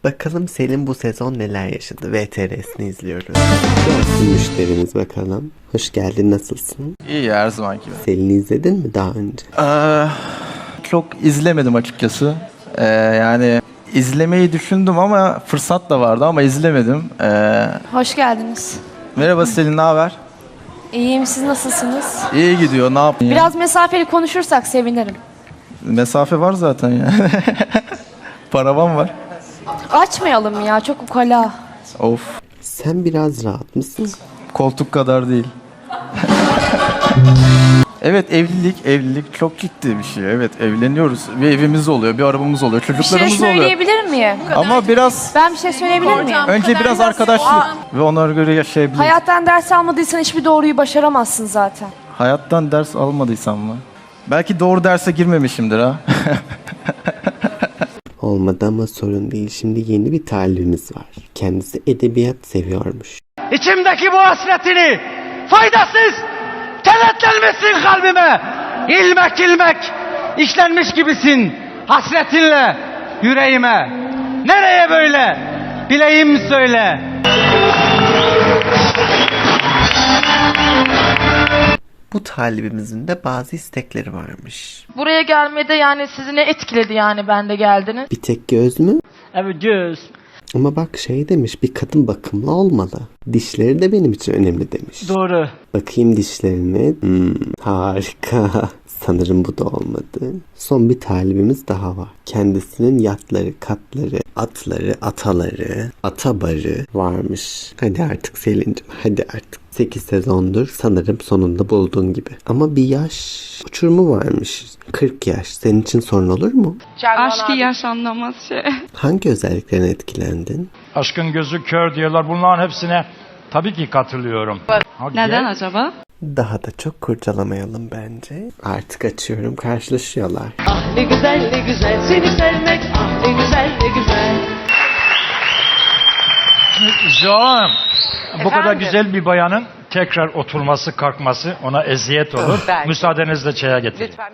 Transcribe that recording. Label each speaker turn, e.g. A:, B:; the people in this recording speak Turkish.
A: Bakalım Selin bu sezon neler yaşadı? VTR'sini izliyoruz. Gelsin müşterimiz bakalım. Hoş geldin, nasılsın?
B: İyi her zaman gibi.
A: Selin'i izledin mi daha önce?
B: Çok izlemedim açıkçası. Yani izlemeyi düşündüm ama fırsat da vardı ama izlemedim.
C: Hoş geldiniz.
B: Merhaba Selin, ne haber?
C: İyiyim, siz nasılsınız?
B: İyi gidiyor, ne yapayım?
C: Biraz mesafeli konuşursak sevinirim.
B: Mesafe var zaten ya. Paravan var.
C: Açmayalım ya, çok ukala.
B: Of,
A: Sen biraz rahat mısın?
B: koltuk kadar değil. Evet, evlilik çok ciddi bir şey. Evet, evleniyoruz. Bir evimiz oluyor, bir arabamız oluyor,
C: Bir şey
B: çocuklarımız oluyor.
C: söyleyebilir miyim?
B: Ama biraz,
C: Ben bir şey söyleyebilir miyim?
B: önce biraz arkadaşlık ve onlara göre yaşayabiliriz.
C: Hayattan ders almadıysan hiçbir doğruyu başaramazsın zaten.
B: Hayattan ders almadıysam mı? Belki doğru derse girmemişimdir ha.
A: Olmadı ama sorun değil. Şimdi yeni bir talibimiz var. Kendisi edebiyat seviyormuş.
D: İçimdeki bu hasretini faydasız kenetlenmişsin kalbime. İlmek ilmek işlenmiş gibisin hasretinle yüreğime. Nereye böyle? Bileyim söyle.
A: Bu talibimizin de bazı istekleri varmış.
E: Buraya gelmede yani sizi ne etkiledi yani bende geldiniz?
A: Bir tek göz mü?
D: Evet göz.
A: Ama bak şey demiş, bir kadın bakımlı olmalı. Dişleri de benim için önemli demiş.
D: Doğru.
A: Bakayım dişlerine. Harika. Sanırım bu da olmadı. Son bir talibimiz daha var. Kendisinin yatları, katları, atları, ataları, atabarı varmış. Hadi artık Selin'cim, hadi artık. 8 sezondur sanırım sonunda buldun gibi. Ama bir yaş uçurumu varmış. 40 yaş. Senin için sorun olur mu?
F: Aşkı yaşanmaz şey.
A: Hangi özelliklerine etkilendin?
G: Aşkın gözü kör diyorlar. Bunların hepsine tabii ki katılıyorum.
F: Neden acaba?
A: Daha da çok kurcalamayalım bence. Artık açıyorum, karşılaşıyorlar.
H: Ah ne güzel ne güzel seni sevmek, ah ne güzel ne güzel.
G: Canım, bu kadar güzel bir bayanın tekrar oturması, kalkması ona eziyet olur. Müsaadenizle çaya getireyim.